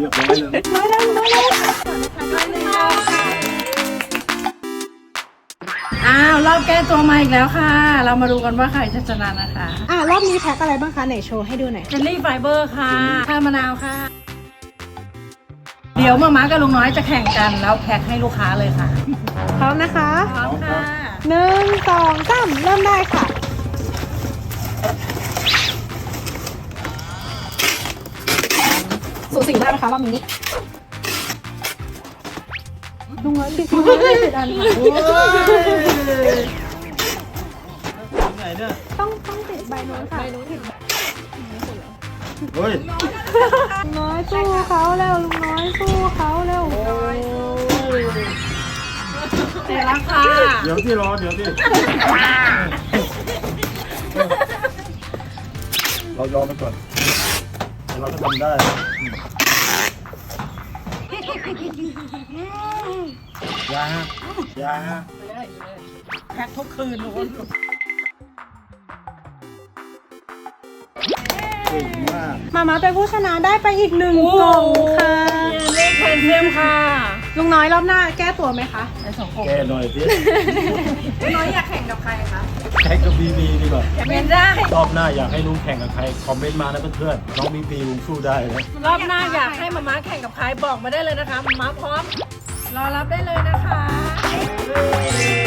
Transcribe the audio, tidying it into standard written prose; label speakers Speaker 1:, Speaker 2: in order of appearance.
Speaker 1: รียบร้อยเลย
Speaker 2: อ้าวรอบแก้ตัวมาอีกแล้วค่ะ เรามาดูกันว่าใครจะชนะนะคะ
Speaker 3: รอบนี้แพ็คอะไรบ้างคะไหนโชว์ให้ดูหน่อย
Speaker 2: เจลลี่ไฟเบอร์ค่ะชามะนาวค่ะ เดี๋ยวมาม่ากับลุงน้อยจะแข่งกันแล้วแพ็คให้ลูกค้าเลยค่ะ
Speaker 3: พร้อมนะคะ
Speaker 2: พร้อมค่ะ
Speaker 3: 1 2 3เริ่มได้ค่ะสูสีได้ไหมคะรอบนี้ลุงน้อยติดมือเลยติดอันค่ะ
Speaker 1: ไหนเนี่ย
Speaker 3: ต้องติดใบโน้นค่ะใบโน้นติด
Speaker 1: เฮ้ย
Speaker 3: ลุงน้อยสู้เขาแล้วลุงน้อยสู้เขาแล้ว
Speaker 2: เสร็จแล้วค่ะ
Speaker 1: เดี๋ยวที่รอเดี๋ยวที่เรายอมไปก่อนเราจะทำได้ยายา
Speaker 2: แพ็คทุกคืนทุกคน
Speaker 1: เก่งมาก
Speaker 3: มาเป็นผู้ชนะได้ไปอีก1กล่องค่ะ
Speaker 2: เล่นแคนเซียมค่ะ
Speaker 3: ลุงน้อยรอบหน้าแก้ตัวไหมคะ
Speaker 2: ในสองกล่อง
Speaker 1: แกหน่อยสิ
Speaker 2: ลุงน้อยอยากแข่งกับใครคะ
Speaker 1: แข่งกับบีบีดีกว่า
Speaker 2: เป็นได้
Speaker 1: รอบหน้าอยากให้ลุงแข่งกับใครคอมเมนต์มานะเพื่อนๆน้องบีบีลุงสู้ได้เลย
Speaker 2: รอบหน้าอยากให้มาม่าแข่งกับใครบอกมาได้เลยนะคะมาม่าพร้อม รอรับได้เลยนะคะ